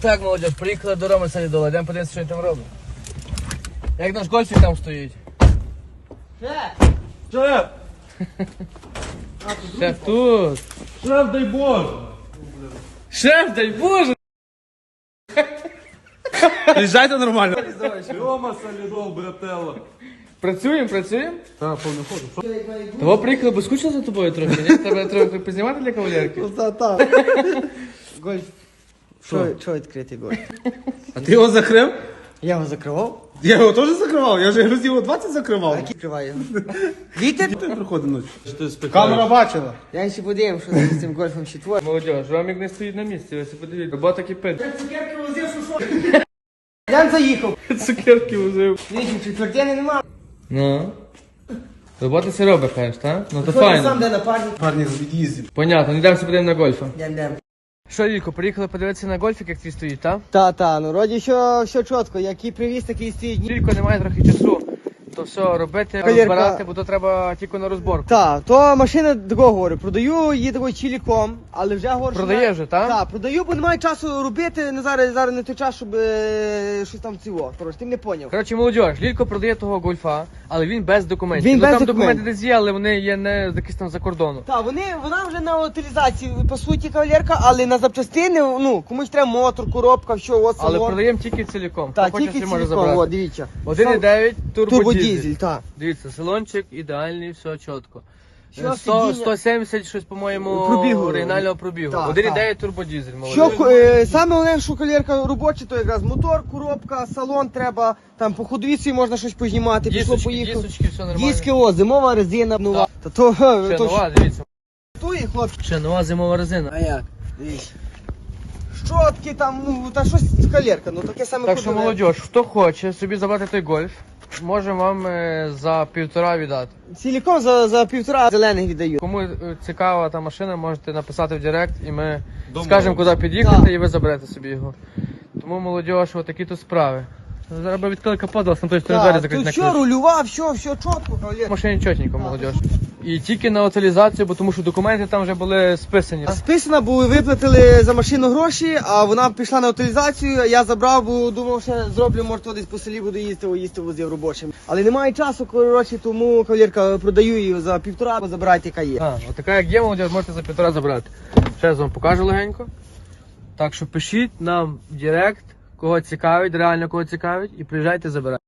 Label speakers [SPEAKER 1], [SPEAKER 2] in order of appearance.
[SPEAKER 1] Так, молодь, приїхали до Роми Солідола, йдемо подивитися, що він там робить. Як наш гольфік там стоїть?
[SPEAKER 2] Шеф!
[SPEAKER 1] Шеф тут.
[SPEAKER 2] Шеф, дай Боже!
[SPEAKER 1] Шеф, дай Боже!
[SPEAKER 2] Приїжджайте нормально. Рома Солідол, брателло.
[SPEAKER 1] Працюємо?
[SPEAKER 2] Так, повний ходу.
[SPEAKER 1] Того приїхали, бо скучно за тобою трохи, ні? Треба трохи познімати для кавалерки.
[SPEAKER 3] Так. Гольф. Що відкритий гольф?
[SPEAKER 2] А ти його закрив?
[SPEAKER 3] Я його закривав.
[SPEAKER 2] Я його теж закривав, я ж грузів його 20 закривав.
[SPEAKER 3] Який відкриваю? Вітер?
[SPEAKER 2] Ти приходить ночі. Камера бачила.
[SPEAKER 3] Я ще подивим, що з цим гольфом ще творить.
[SPEAKER 1] Молодь, Ромік не стоїть на місці, ви подивіться, робота кипить.
[SPEAKER 3] Цукерки возив, що? Я заїхав.
[SPEAKER 1] Цукерки возив.
[SPEAKER 3] Дивіться, четвертини нема.
[SPEAKER 1] Ну. Робота все робить, кажеш, так? Ну то
[SPEAKER 3] Що ти сам
[SPEAKER 1] файно.
[SPEAKER 3] де напарник?
[SPEAKER 2] Парні з від'їздів.
[SPEAKER 1] Понятно, не йдемо подивимо на гольфа.
[SPEAKER 3] Йдем.
[SPEAKER 1] Що, Лілько, приїхали подивитися на гольфік, як твій стоїть, так?
[SPEAKER 3] Та, ну вроді все чітко, який привіз, такий стоїть.
[SPEAKER 1] Лілько немає трохи часу. То все робити,
[SPEAKER 3] Кавалерка.
[SPEAKER 1] розбирати, бо то треба тільки на розборку.
[SPEAKER 3] Так, то машина такого говорю, продаю її такою ціліком, але вже говорю, що
[SPEAKER 1] Продає вже, так?
[SPEAKER 3] Так, продаю, бо немає часу робити, зараз не той час, щоб щось там цього. Коротше, ти не поняв.
[SPEAKER 1] Коротше, молодь, Лілько продає того гольфа, але він без документів.
[SPEAKER 3] Він
[SPEAKER 1] Ну,
[SPEAKER 3] без
[SPEAKER 1] там
[SPEAKER 3] документів.
[SPEAKER 1] документи десь є, але вони є не якісь там за кордону.
[SPEAKER 3] Так, вона вже на утилізації, по суті, кавалерка, але на запчастини, ну, комусь треба мотор, коробка, все, от
[SPEAKER 1] Але
[SPEAKER 3] салон.
[SPEAKER 1] продаємо тільки ціліком.
[SPEAKER 3] Так,
[SPEAKER 1] Хто хоче,
[SPEAKER 3] тільки
[SPEAKER 1] собі може
[SPEAKER 3] ціліком,
[SPEAKER 1] забрати.
[SPEAKER 3] от, дивіться.
[SPEAKER 1] 1,9 турбодізель.
[SPEAKER 3] Турбодізель, так.
[SPEAKER 1] Дивіться, салончик ідеальний, все чітко.
[SPEAKER 3] Що
[SPEAKER 1] 100,
[SPEAKER 3] сидіння?
[SPEAKER 1] 170 щось, по-моєму,
[SPEAKER 3] Пробігу.
[SPEAKER 1] оригінального пробігу.
[SPEAKER 3] Так,
[SPEAKER 1] 1,9 турбодізель,
[SPEAKER 3] Що,
[SPEAKER 1] молодий.
[SPEAKER 3] саме головне, що кавалерка робоча, то якраз мотор, коробка, салон треба, там по ходовіці можна щось познімати, пішло, поїхало.
[SPEAKER 1] Дісочки, все нормально.
[SPEAKER 3] Диски, о, зимова резина нова. Та то,
[SPEAKER 1] Ще
[SPEAKER 3] то
[SPEAKER 1] нова, дивіться.
[SPEAKER 3] штує, хлопці.
[SPEAKER 1] Ще нова зимова резина.
[SPEAKER 3] А як? Дивіться. Щотки там, ну, та щось кавалерка, ну таке саме
[SPEAKER 1] Так що,
[SPEAKER 3] ходове.
[SPEAKER 1] молодь, хто хоче собі забрати той гольф, можемо вам за 1,5 віддати.
[SPEAKER 3] Ціліком за півтора зелених віддаю.
[SPEAKER 1] Кому цікава та машина, можете написати в Директ і ми скажемо, куди під'їхати,
[SPEAKER 3] Так.
[SPEAKER 1] і ви заберете собі його. Тому, молодь, такі то справи. Зараз би відкрили капот, а на той стороні двері
[SPEAKER 3] Так,
[SPEAKER 1] закрити
[SPEAKER 3] тут
[SPEAKER 1] на
[SPEAKER 3] все
[SPEAKER 1] ключ.
[SPEAKER 3] рульова, все чітко, кавалерка.
[SPEAKER 1] Машині чотенько, молодь. І тільки на утилізацію, бо тому що документи там вже були списані.
[SPEAKER 3] А списана, бо виплатили за машину гроші, а вона пішла на утилізацію, я забрав, бо думав, що зроблю, може, то десь по селі буду їсти возив робочим. Але немає часу, коротше, тому кавалерка продаю її за півтора, бо забирайте, яка є.
[SPEAKER 1] Отака як є, молодь, можете за 1,5 забрати. Ще раз вам покажу легенько. Так що пишіть нам в Директ, кого цікавить, реально кого цікавить, і приїжджайте забирати.